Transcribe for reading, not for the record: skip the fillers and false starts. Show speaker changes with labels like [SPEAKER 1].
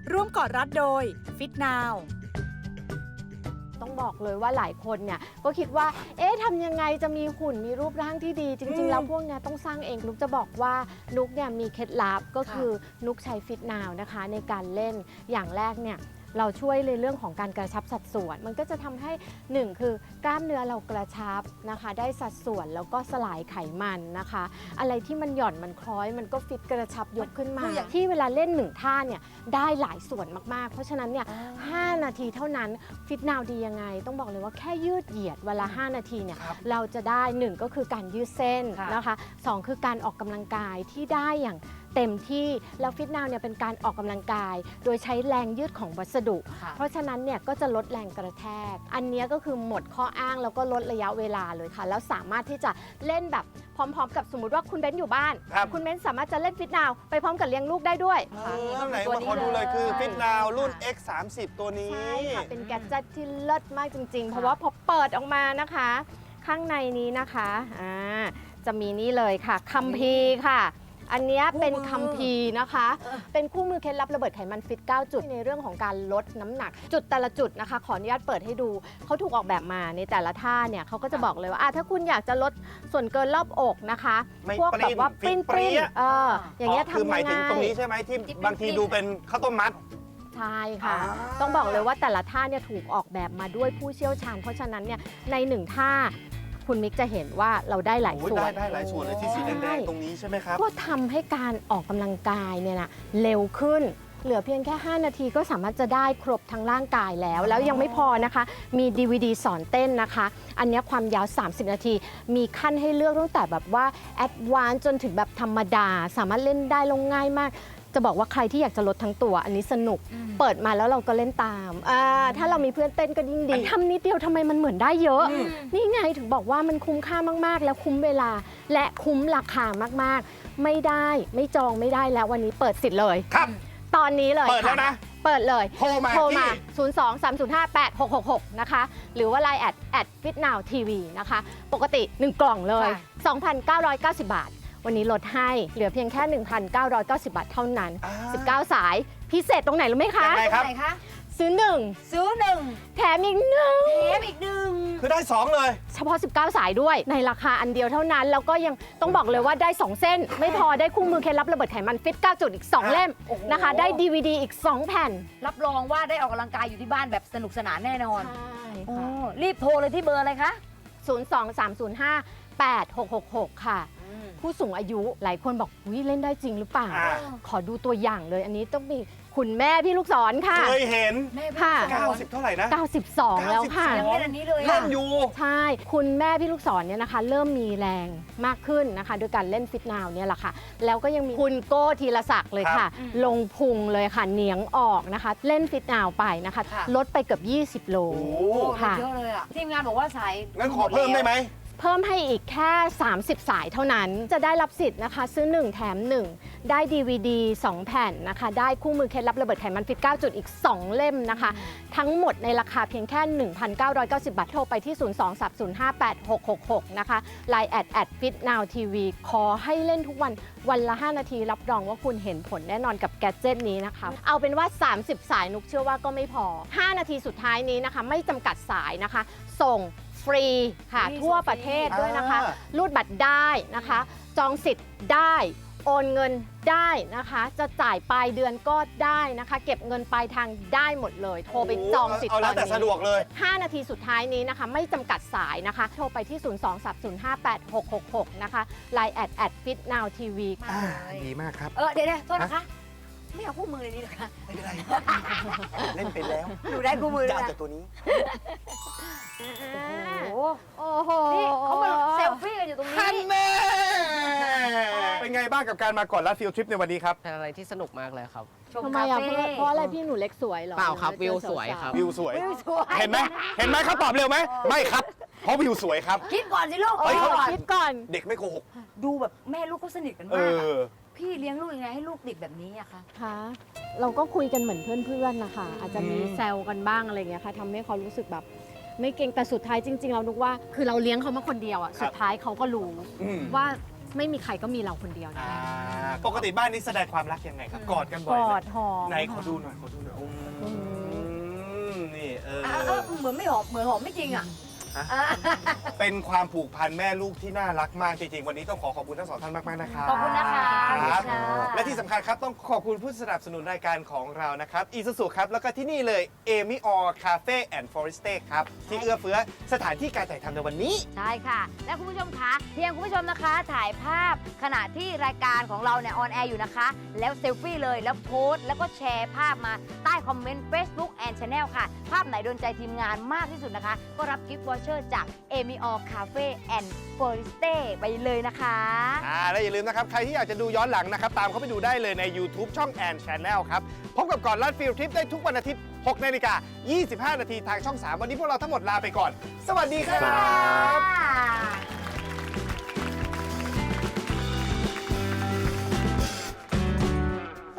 [SPEAKER 1] ร่วมกอดรัดโดย Fit Now
[SPEAKER 2] ต้องบอกเลยว่าหลายคนเนี่ยก็คิดว่าทำยังไงจะมีหุ่นมีรูปร่างที่ดี จริงๆแล้วพวกเนี้ยต้องสร้างเองนุกจะบอกว่านุกเนี่ยมีเคล็ดลับก็คือนุกใช้ Fit Now นะคะในการเล่นอย่างแรกเนี่ยเราช่วยในเรื่องของการกระชับสัดส่วน มันก็จะทำให้1คือกล้ามเนื้อเรากระชับนะคะได้สัดส่วนแล้วก็สลายไขมันนะคะอะไรที่มันหย่อนมันคล้อยมันก็ฟิตกระชับยกขึ้นมาที่เวลาเล่น1ท่าเนี่ยได้หลายส่วนมากๆเพราะฉะนั้นเนี่ย5 นาทีเท่านั้นฟิตนาวดียังไงต้องบอกเลยว่าแค่ยืดเหยียดเวลา5 นาทีเนี่ยเราจะได้1ก็คือการยืดเส้นนะคะ2คือการออกกำลังกายที่ได้อย่างเต็มที่แล้วฟิตนาวเนี่ยเป็นการออกกำลังกายโดยใช้แรงยืดของวัสดุเพราะฉะนั้นเนี่ยก็จะลดแรงกระแทกอันนี้ก็คือหมดข้ออ้างแล้วก็ลดระยะเวลาเลยค่ะแล้วสามารถที่จะเล่นแบบพร้อมๆกับสมมติว่าคุณเบ้นอยู่บ้านคุณเบ้นสามารถจะเล่นฟิตนาวไปพร้อมกับเลี้ยงลูกได้ด้วย
[SPEAKER 3] ไหนมาขอดูเลยคือฟิตนาวรุ่น X30 ตัวนี้
[SPEAKER 2] ใช่ค่ะเป็นแกดเจ็ตที่เลิศมากจริงๆเพราะว่าพอเปิดออกมานะคะข้างในนี้นะคะจะมีนี่เลยค่ะคัมภีร์ค่ะอันนี้เป็นคัมภีร์นะคะเป็นคู่มือเคล็ดลับระเบิดไขมันฟิต9จุดในเรื่องของการลดน้ำหนักจุดแต่ละจุดนะคะขออนุญาตเปิดให้ดูเขาถูกออกแบบมาในแต่ละท่าเนี่ยเขาก็จะบอกเลยว่าถ้าคุณอยากจะลดส่วนเกินรอบอกนะคะพวกแบบว่าปริ้นอย่างเงี้ยทำยังไงคือ
[SPEAKER 3] หมายถึงตรงนี้ใช่ไหมที่บางทีดูเป็นข้าวต้มมัด
[SPEAKER 2] ใช่ค่ะต้องบอกเลยว่าแต่ละท่าเนี่ยถูกออกแบบมาด้วยผู้เชี่ยวชาญเพราะฉะนั้นเนี่ยใน1ท่าคุณมิกจะเห็นว่าเราได้หลายส่วน
[SPEAKER 3] ได้หลายส่วนเลยที่สีแดงๆตรงนี้ใช่ไหมครับ
[SPEAKER 2] ก็ทำให้การออกกำลังกายเนี่ยนะเร็วขึ้นเหลือเพียงแค่5 นาทีก็สามารถจะได้ครบทั้งร่างกายแล้วยังไม่พอนะคะมี DVD สอนเต้นนะคะอันนี้ความยาว30 นาทีมีขั้นให้เลือกตั้งแต่แบบว่าแอดวานซ์จนถึงแบบธรรมดาสามารถเล่นได้ลงง่ายมากจะบอกว่าใครที่อยากจะลดทั้งตัวอันนี้สนุกเปิดมาแล้วเราก็เล่นตามถ้าเรามีเพื่อนเต้นก็ยิ่งดีทำนิดเดียวทำไมมันเหมือนได้เยอะนี่ไงถึงบอกว่ามันคุ้มค่ามากๆแล้วคุ้มเวลาและคุ้มราคามากๆไม่ได้ไม่จองไม่ได้แล้ววันนี้เปิดสิทธิ์เลย
[SPEAKER 3] ครับ
[SPEAKER 2] ตอนนี้เลย
[SPEAKER 3] เปิดแล้วนะ
[SPEAKER 2] เปิดเลย
[SPEAKER 3] โทรมา
[SPEAKER 2] 02-305-8666นะคะหรือว่า Line @fitnowtv นะคะปกติ1กล่องเลย 2,990 บาทวันนี้ลดให้เหลือเพียงแค่ 1,990 บาทเท่านั้น19 สายพิเศษตรงไหนรู้ไหมคะ
[SPEAKER 3] ยังไงครับ
[SPEAKER 2] ซื้อ1แถมอีก1
[SPEAKER 3] คือได้2เลย
[SPEAKER 2] เฉพาะ19 สายด้วยในราคาอันเดียวเท่านั้นแล้วก็ยังต้องบอกเลยว่าได้2เส้นไม่พอได้คู่มือเคล็ดลับระเบิดไขมันฟิต9จุดอีก2เล่มนะคะได้ DVD อีก2แผ่น
[SPEAKER 4] รับรองว่าได้ออกกำลังกายอยู่ที่บ้านแบบสนุกสนานแน่นอน
[SPEAKER 2] ใช่ค่ะ
[SPEAKER 4] รีบโทรเลยที่เบอร์อะไรคะ
[SPEAKER 2] 02-305-8666ค่ะผู้สูงอายุหลายคนบอกเล่นได้จริงหรือเปล่าขอดูตัวอย่างเลยอันนี้ต้องมีคุณแม่พี่ลูกศรค่ะ
[SPEAKER 3] เคยเห็น
[SPEAKER 2] ค่ะ
[SPEAKER 3] 90เท่าไหร่นะ
[SPEAKER 2] 92แล้วค่ะ
[SPEAKER 4] ยังเล่นอันนี้เลย
[SPEAKER 3] เล่นอยู่
[SPEAKER 2] ใช่คุณแม่พี่ลูกศรเนี่ยนะคะเริ่มมีแรงมากขึ้นนะคะโดยการเล่นฟิตนาวเนี่ยแหละค่ะแล้วก็ยังมีคุณโก้ธีรศักดิ์เลยค่ะลงพุงเลยค่ะเหนียงออกนะคะเล่นฟิตนาวไปนะคะลดไปเกือบ20 โล
[SPEAKER 4] ค่ะเยอะเลยอ่ะทีมงานบอกว่าสาย
[SPEAKER 3] งั้นขอเพิ่มได้ไหม
[SPEAKER 2] เพิ่มให้อีกแค่30 สายเท่านั้นจะได้รับสิทธิ์นะคะซื้อ1แถม1ได้ DVD 2 แผ่นนะคะได้คู่มือเคล็ดลับระเบิดไขมันฟิต9จุดอีก2เล่มนะคะทั้งหมดในราคาเพียงแค่ 1,990 บาทโทรไปที่ 02-305-8666 นะคะ Line @fitnowtv ขอให้เล่นทุกวันละ5 นาทีรับรองว่าคุณเห็นผลแน่นอนกับแกดเจ็ตนี้นะคะเอาเป็นว่า30 สายนุกเชื่อว่าก็ไม่พอ5 นาทีสุดท้ายนี้นะคะไม่จำกัดสายนะคะส่งฟรีค่ะทั่วประเทศด้วยนะคะรูดบัตรได้นะคะจองสิทธิ์ได้โอนเงินได้นะคะจะจ่ายปลายเดือนก็ได้นะคะเก็บเงินปลายทางได้หมดเลยโทรไปจองสิทธิ์ตอนนี้
[SPEAKER 3] เอาแล้วแต่สะดวกเลย
[SPEAKER 2] 5 นาทีสุดท้ายนี้นะคะไม่จำกัดสายนะคะโทรไปที่ 02-305-8666 นะคะ Line @fitnowtv
[SPEAKER 3] ดีมากครับ
[SPEAKER 4] เดี๋ยวโทษนะคะไม่เอาคู่มือเลยนี่หรอคะ
[SPEAKER 3] ไม่เป็นไรเล่นไปแล้ว
[SPEAKER 4] หนูได้คู่มือแล้ว
[SPEAKER 3] แต่ตัวนี้
[SPEAKER 2] โอ้โห
[SPEAKER 4] นี่เขามาเซลฟี่กันอยู่ตรงนี้
[SPEAKER 3] เป็นไงบ้างกับการมาก่อนลัดฟิลทริปในวันนี้ครับ
[SPEAKER 5] เป็นอะไรที่สนุกมากเลยครับ
[SPEAKER 2] ทำไมอ่ะเพราะอะไรพี่หนูเล็กสวยเหรอ
[SPEAKER 5] เปล่าครับวิวสวยครับ
[SPEAKER 3] วิวสวยเห็นไหมเขาตอบเร็วไหมไม่ครับเพราะวิวสวยครับ
[SPEAKER 4] คิดก่อนสิลูก
[SPEAKER 2] คิดก่อน
[SPEAKER 3] เด็กไม่โกหก
[SPEAKER 4] ดูแบบแม่ลูกก็สนิทกันมากพี่เลี้ยงลูกยังไงให้ลูกติดแบบนี้อะคะ
[SPEAKER 2] เราก็คุยกันเหมือนเพื่อนๆนะคะอาจจะมีแซวกันบ้างอะไรอย่างเงี้ยค่ะทำให้เขารู้สึกแบบไม่เก่งแต่สุดท้ายจริงๆเรานึกว่าคือเราเลี้ยงเขามาคนเดียวอ่ะสุดท้ายเขาก็รู้ว่าไม่มีใครก็มีเราคนเดียวนะ
[SPEAKER 3] ปกติบ้านนี้แสดงความรักยังไงครับ กอดกันบ่
[SPEAKER 2] ก
[SPEAKER 3] อยไหม
[SPEAKER 2] อดหอม
[SPEAKER 3] ไหนขอดูหน่อยนี่
[SPEAKER 4] เหมือนไม่หอมเหมือนหอมไม่จริงอ่ะ
[SPEAKER 3] เป็นความผูกพันแม่ลูกที่น่ารักมากจริงๆ วันนี้ต้องขอบคุณทั้งสองท่านมากๆนะครับ
[SPEAKER 4] ขอบคุณนะคะ
[SPEAKER 3] ครับ
[SPEAKER 4] ค่ะ
[SPEAKER 3] และที่สำคัญครับต้องขอบคุณผู้สนับสนุนรายการของเรานะครับอีซูซูครับแล้วก็ที่นี่เลยเอมิออร์คาเฟ่แอนด์ฟอเรสเต้ครับที่เอื้อเฟื้อสถานที่การถ่ายทำในวันนี้
[SPEAKER 4] ใช่ค่ะ และคุณผู้ชมคะเพียงคุณผู้ชมนะคะ ถ่ายภาพขณะที่รายการของเราเนี่ยออนแอร์อยู่นะคะ แล้วเซลฟี่เลยแล้วโพสต์แล้วก็แชร์ภาพมาใต้คอมเมนต์ Facebook and Channel ค่ะ ภาพไหนโดนใจทีมงานมากที่สุดนะคะ ก็รับกิฟต์วอเชอร์จากเอมิออร์คาเฟ่แอนด์ฟอเรสเต้ไปเลยนะคะ
[SPEAKER 3] และอย่าลืมนะครับ ใครที่อยากจะดูย้อนหลังนะครับ ตามเข้าไปดูได้เลยใน YouTube ช่อง and Channel ครับ พบกับก่อนลัดฟิลทริปได้ทุกวันอาทิตย์ 6 นาฬิกา 25 นาทีทางช่อง 3 วันนี้พวกเราทั้งหมดลาไปก่อน สวัสดีครับ
[SPEAKER 4] ค่ะ